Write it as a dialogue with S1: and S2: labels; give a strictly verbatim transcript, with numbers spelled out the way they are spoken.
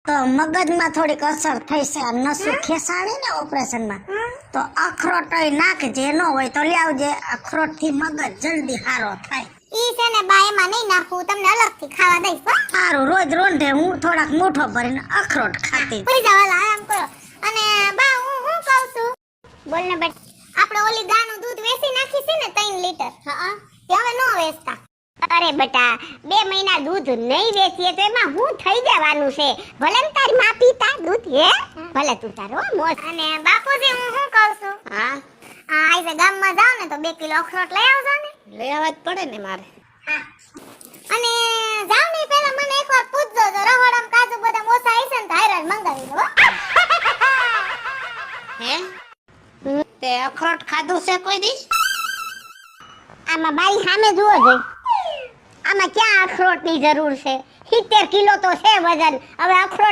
S1: તો મગજમાં થોડીક અસર થઈ છે. નસું ખેસાણી ને ઓપરેશનમાં તો અખરોટ નાખજે, ન હોય તો લાવજે. અખરોટ થી મગજ જલ્દી સારો થાય.
S2: ઈ છે ને બા એમાં નહીં નાખવું, તમને અલગથી ખાવા દઈશ હો.
S1: સારું, રોજ રોંઢે હું થોડાક મુઠ્ઠો ભરીને અખરોટ ખાતી.
S2: પૂરી જાવ, હાલો આરામ કરો. અને બા હું હું કહું છું, બોલ ને બેટ, આપણે ઓલી ગાનું દૂધ વેચી નાખી છે ને ત્રણ લીટર, હા તે હવે નો વેચતા. અરે બેટા, બે મહિના દૂધ નહીં વેચીએ તો એમાં હું થઈ જવાનું છે? ભલે ને તારી માં પીતા દૂધ, હે ભલે તું તારો મોસ. અને બાપુજી હું શું કહું છું, હા આ આજે ગામમાં જાવ ને તો બે કિલો અખરોટ લઈ આવજો ને.
S3: લઈ આવવા જ પડે ને મારે.
S2: અને જાવ ને પહેલા મને એકવાર પૂછજો, તો રહોડમ કાજુ બદામ ઓછા હશે ને તો હાયરાજ મંગાવી દો.
S3: હે તે અખરોટ ખાધું છે કોઈ દી?
S2: આમાં બાઈ સામે જુઓ જોઈ, આમાં ક્યાં અખરોટની જરૂર છે? સિત્તેર કિલો તો છે વજન, હવે અખરોટ